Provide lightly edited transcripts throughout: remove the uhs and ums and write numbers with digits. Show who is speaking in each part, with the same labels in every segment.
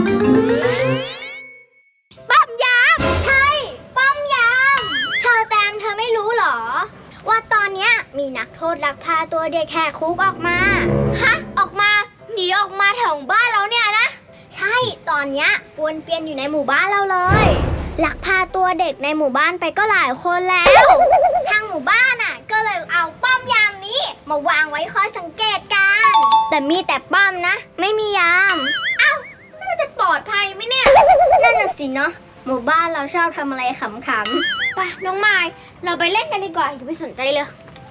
Speaker 1: ป้อมยามใช่ป้อมยามเธอแตงเธอไม่รู้หรอว่าตอนเนี้ยมีนักโทษลักพาตัวเด็กแหกคุกออกมาฮะออกมาหนีออกมาแถวบ้านเราเนี่ยนะใช่ตอนเนี้ยป้วนเปี้ยนอยู่ในหมู่บ้านเราเลยลักพาตัวเด็กในหมู่บ้านไปก็หลายคนแล้วทางหมู่บ้านอ่ะก็เลยเอาป้อมยามนี้มาวางไว้คอยสังเกตการแต่มีแต่ป้อมนะไม่มียามเอ้ามันจะปลอดภัยไหมเนี่ยนั่นน่ะสิเนาะหมู่บ้านเราชอบทำอะไรขำๆไปน้องไม้เราไปเล่นกันดีกว่าอย่าไปสนใจเลย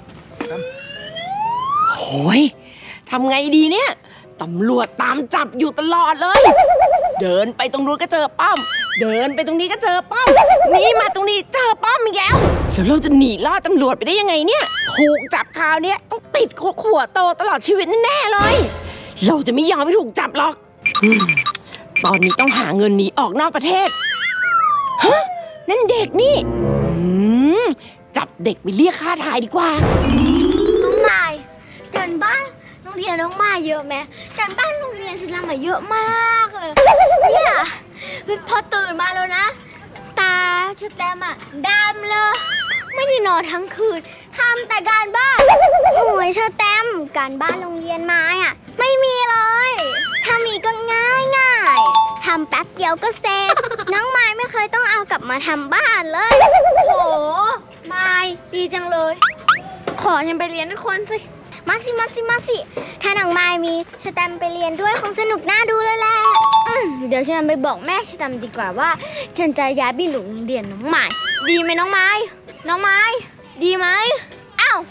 Speaker 2: โอ้ยทำไงดีเนี่ยตำรวจตามจับอยู่ตลอดเลย เดินไปตรงนู้นก็เจอป้อมเดินไปตรงนี้ก็เจอป้อมนี่มาตรงนี้เจอป้อมอีกแล้วแล้วเราจะหนีล่าตำรวจไปได้ยังไงเนี่ยถูกจับคราวนี้ต้องติดคุกหัวโตตลอดชีวิตแน่ๆเลยเราจะไม่ยอมให้ถูกจับหรอกตอนนี้ต้องหาเงินหนีออกนอกประเทศฮะนั่นเด็กนี่จับเด็กไปเรียกค่าถ่ายดีกว่า
Speaker 1: น้องไม้การบ้านโรงเรียนน้องไม้เยอะไหมการบ้านโรงเรียนฉันทำมาเยอะมากเลยเนี่ยพอตื่นมาแล้วนะตาชุดแดงอะดำเลยไม่ได้นอนทั้งคืนทำแต่การบ้านโอ้ยเชอแตมการบ้านโรงเรียนไม้อะไม่มีเลยถ้ามีก็ง่ายทำแป๊บเดียวก็เสร็จน้องไม้ไม่เคยต้องเอากลับมาทำบ้านเลยโหไม้ดีจังเลยขอฉันไปเรียนด้วยคนสิมาสิถ้าน้องไม้มีสแตมไปเรียนด้วยคงสนุกน่าดูเลยแหละเดี๋ยวฉันไปบอกแม่สแตมดีกว่าว่าฉันจะย้ายไปโรงเรียนน้องไม้ดีไหมน้องไม้ดีไหมอ้าว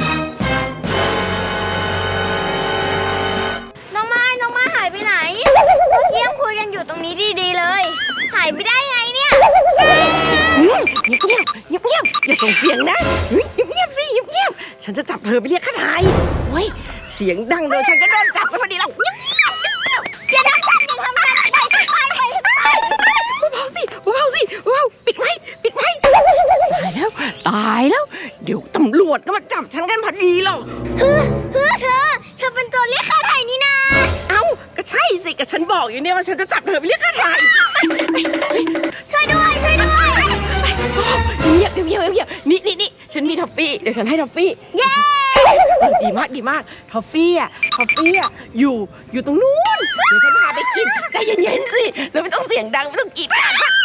Speaker 1: น้องไม้หายไปไหนเมื่อกี้ยังคุยกันอยู่ตรงนี้ดีๆเลยหายไปได้ไงเนี่ย
Speaker 2: เงียบอย่าส่งเสียงนะเงียบสิเงียบฉันจะจับเธอไปเรียกค่าถ่ายโอ้ยเสียงดังเดี๋ยวฉันก็โดนจับไปพอดีแล้ว
Speaker 1: อย่าทำฉันไปไป
Speaker 2: เบาสิปิดไว้ตายแล้วเดี๋ยวตำรวจก็มาจับฉันกันพอดีหรอก
Speaker 1: เธอเป็นโจรเรียกค่าไถ่นี่นะ
Speaker 2: เอ้าก็ใช่สิก็ฉันบอกอยู่เนี่ยว่าฉันจะจับเธอไปเรียกค่าไถ่
Speaker 1: ช่วยด้วย
Speaker 2: เงียบนี่ฉันมีท็อฟฟี่เดี๋ยวฉันให้ท็อฟฟี่
Speaker 1: เย้
Speaker 2: ดีมากท็อฟฟี่อยู่ตรงนู้นเดี๋ยวฉันพาไปกินใจเย็นๆสิแล้วไม่ต้องเสียงดังไม่ต้องกรีด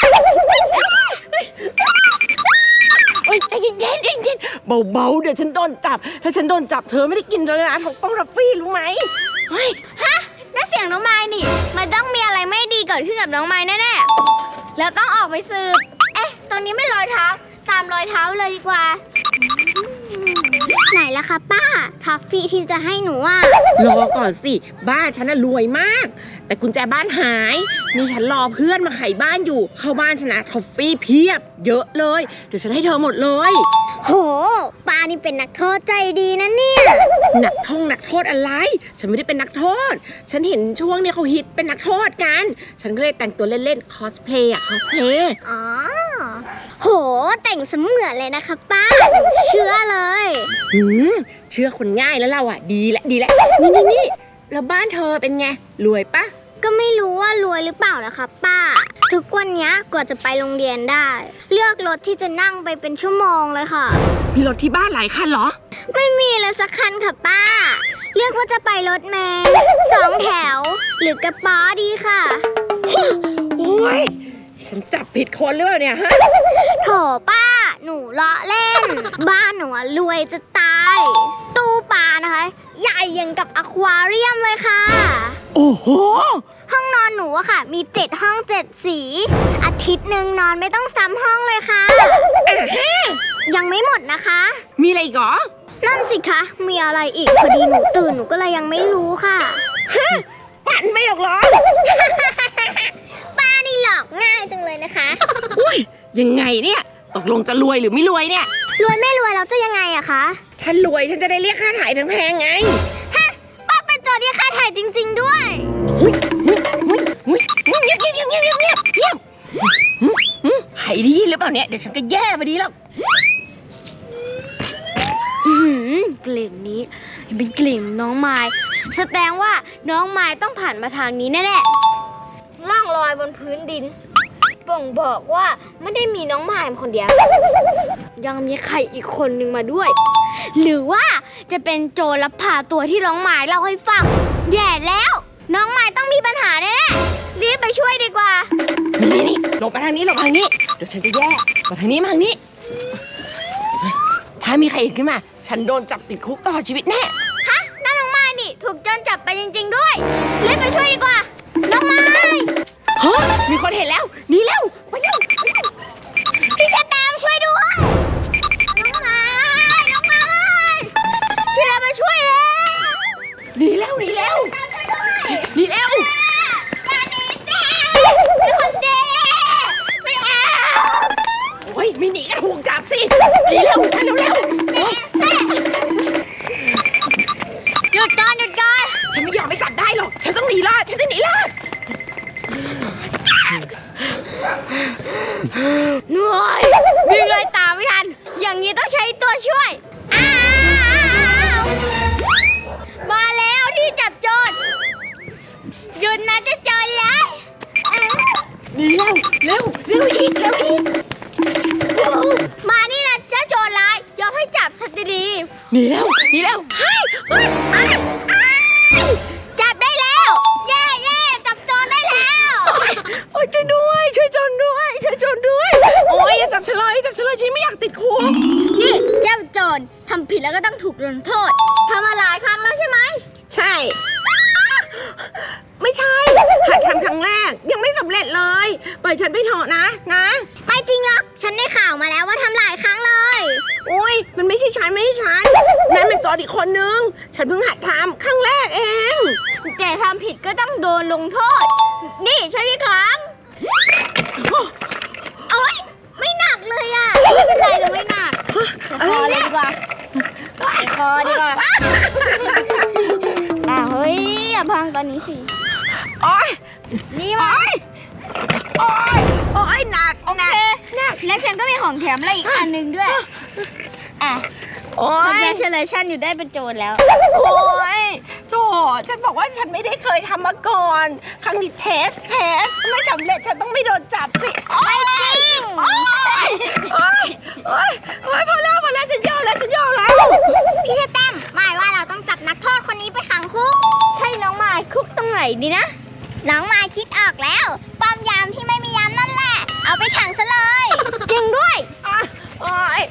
Speaker 2: ใจเย็นเบาเดี๋ยวฉันโดนจับถ้าฉันโดนจับเธอไม่ได้กินเลยนะของป้องท็อฟฟี่รู้ไหม
Speaker 1: ฮะนั่นเสียงน้องไม้นี่มันต้องมีอะไรไม่ดีเกิดขึ้นกับน้องไม้แน่ๆแล้วต้องออกไปสืบตอนนี้ไม่รอยเท้าตามรอยเท้าเลยดีกว่าไหนล่ะคะป้าท็อฟฟี่ที่จะให้หนู
Speaker 2: รอก่อนสิบ้านฉันน่ะรวยมากแต่กุญแจบ้านหายนี่ฉันรอเพื่อนมาไขบ้านอยู่เข้าบ้านฉันนะท็อฟฟี่เพียบเยอะเลยเดี๋ยวฉันให้เธอหมดเลย
Speaker 1: โหป้านี่เป็นนักโทษใจดีนะเนี่ย
Speaker 2: นักโทษอะไรฉันไม่ได้เป็นนักโทษฉันเห็นช่วงนี้เขาฮิตเป็นนักโทษกันฉันก็เลยแต่งตัวเล่นๆคอสเพลย์
Speaker 1: อ๋อโหแต่งเสมือนเลยนะคะป้าเชื่อเลย
Speaker 2: เชื่อคนง่ายแล้วเราดีแล้วนี่แล้วบ้านเธอเป็นไงรวยปะ
Speaker 1: ก็ไม่รู้ว่ารวยหรือเปล่านะคะป้าทุกวันนี้กว่าจะไปโรงเรียนได้เลือกรถที่จะนั่งไปเป็นชั่วโมงเลยค่ะ
Speaker 2: มีรถที่บ้านหลายคันเหรอ
Speaker 1: ไม่มีเลยสักคันค่ะป้าเลือกว่าจะไปรถเมล์2 แถวหรือกระป๋อดีค่ะ
Speaker 2: โอ้ยฉันจับผิดคนหรือเปล่าเนี่ยฮะ
Speaker 1: โถป้าหนูล้อเล่นบ้านหนูรวยจะตายตู้ปลานะคะใหญ่ยังกับอควาเรียมเลยค่ะ
Speaker 2: โอ้โห
Speaker 1: ห้องนอนหนูอะค่ะมี7 ห้อง 7 สีอาทิตย์หนึ่งนอนไม่ต้องซ้ำห้องเลยค่ะยังไม่หมดนะคะ
Speaker 2: มีอะไรอีกเหรอ
Speaker 1: นั่นสิคะมีอะไรอีกพอดีหนูตื่นหนูก็เลยยังไม่รู้ค่ะ
Speaker 2: ฝันไม่หรอกเหรอ
Speaker 1: ป้านี่หลอกง่ายจังเลยนะคะ
Speaker 2: อุ้ยยังไงเนี่ยตกลงจะรวยหรือไม่รวยเนี่ย
Speaker 1: รวยไม่รวยเราจะยังไงอะคะ
Speaker 2: ถ้ารวยฉันจะได้เรียกค่าถ่ายแพงๆไง
Speaker 1: ฮะป้าเป็นโจรเรียกค่าถ่ายจริงๆด้วย
Speaker 2: เงียบใครดีหรือเปล่าเนี่ยเดี๋ยวฉันก็แย่ไปดีแล้ว
Speaker 1: กลิ่นนี้เป็นกลิ่นน้องไม้แสดงว่าน้องไม้ต้องผ่านมาทางนี้แน่ๆล่องลพื้นดินบ่งบอกว่าไม่ได้มีน้องมายคนเดียวยังมีใครอีกคนนึงมาด้วย หรือว่าจะเป็นโจรลักพาตัวที่น้องมายเล่าให้ฟังแย่แล้วน้องมายต้องมีปัญหาแน่ๆรีบไปช่วยดีกว่า
Speaker 2: นี่หลบไปทางนี้หลบไปทางนี้เดี๋ยวฉันจะแยกมาทางนี้มาทางนี้ถ้ามีใครเห็นขึ้นมาฉันโดนจับติดคุกตลอดชีวิตแน่
Speaker 1: ฮะนั่นน้องมายนี่ถูกโจรจับไปจริงๆด้วยรีบไปช่วยดีกว่าน้องมาย
Speaker 2: เฮ้ยมีคนเห็นแล้วหนีแล้วไปเร็ว
Speaker 1: พี่ชะแตมช่วยด้วยน้องมายที่เราไปช่วยแล้ว
Speaker 2: หนีแล้วอย่าหนีสิ
Speaker 1: เป็นคนดีไม่เอา
Speaker 2: โอ้ยไม่หนีก็ถูกจับสิหนีเร็ว
Speaker 1: หยุดก่อน
Speaker 2: ฉันไม่ยอมไม่จับได้หรอกฉันต้องหนีรอด
Speaker 1: เหนื่อยวิ่งเลยตามไม่ทันอย่างนี้ต้องใช้ตัวช่วยมาแล้วที่จับโจรหยุดนะจะโจรเลย
Speaker 2: หนีเร็วอีก
Speaker 1: มานี่นะเจ้าโจรร้ายยอมให้จับฉันดี
Speaker 2: หนีแล้ว
Speaker 1: จับได้แล้วเย่จับโจรได้แล้ว
Speaker 2: โอ้ยช่วยด้วยช่วยโจรด้วยโอ้ยอย่าจับฉันเลยฉันไม่อยากติดคุก
Speaker 1: นี่เจ้าโจรทำผิดแล้วก็ต้องถูกลงโทษทำมาหลายครั้งแล้วใช่ไหม
Speaker 2: ใช่ไม่ใช่หัดทำครั้งแรกยังไม่สำเร็จเลยปล่อยฉันไปเถอะนะ
Speaker 1: ไม่จริงหรอกฉันได้ข่าวมาแล้วว่าทำหลายครั้งเลย
Speaker 2: โอ้ยมันไม่ใช่ฉันนั่นเป็นโจรอีกคนนึงฉันเพิ่งหัดทำครั้งแรกเอง
Speaker 1: แต่ทำผิดก็ต้องโดนลงโทษนี่ใช่พี่ครั้งโอ๊ยไม่หนักเลยอ่ะไม่เป็นไรเลยไม่หนักพอเลยดีกว่าเฮ้ยอย่าพังตอนนี้สิ
Speaker 2: โอ๊ย
Speaker 1: นี่มา
Speaker 2: โอ๊ยหนัก
Speaker 1: แล้วฉันก็มีของแถมอะไรอีกอันนึงด้วยcongratulation อยู่ได้เป็นโจรแล้ว
Speaker 2: โอ๊ยโธ่ฉันบอกว่าฉันไม่ได้เคยทำมาก่อนครั้งนี้เทสไม่สำเร็จฉันต้องไม่โดนจับสิ
Speaker 1: ไม่จริง
Speaker 2: โอ๊ยพอแล้วฉันยอมแล้ว
Speaker 1: พี่ชะแตมหมายว่าเราต้องจับนักโทษคนนี้ไปขังคุกใช่น้องมายคุกตรงไหนดีนะน้องมายคิดออกแล้วป้อมยามที่ไม่มียามนั่นแหละเอาไปขังซะเลยจริงด้วย
Speaker 2: โอ๊ย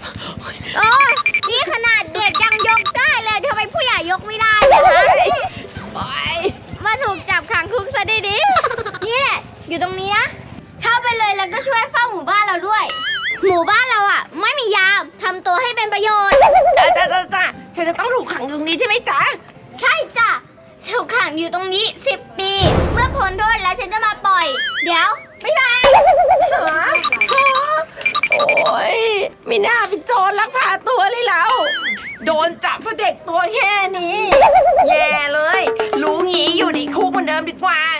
Speaker 1: นี่ขนาดเด็กยังยกได้เลยทำไมผู้ใหญ่ยกไม่ได้นะคะมาถูกจับขังคุกซะดีๆนี่อยู่ตรงนี้นะเข้าไปเลยแล้วก็ช่วยเฝ้าหมู่บ้านเราด้วยหมู่บ้านเราไม่มียามทำตัวให้เป็นประโยชน์
Speaker 2: จ้าฉันจะต้องถูกขังอยู่ตรงนี้ใช่ไหมจ๊ะ
Speaker 1: ใช่จ้ะถูกขังอยู่ตรงนี้10 ปีเมื่อพ้นโทษแล้วฉันจะมาปล่อยเดี๋ยวไม่ได้
Speaker 2: โอ๊ยไม่น่าเป็นโจรลักพาตัวเลยแล้วโดนจับเพราะเด็กตัวแค่นี้แย่เลยรู้งี้อยู่ในคุกเหมือนเดิมดีกว่า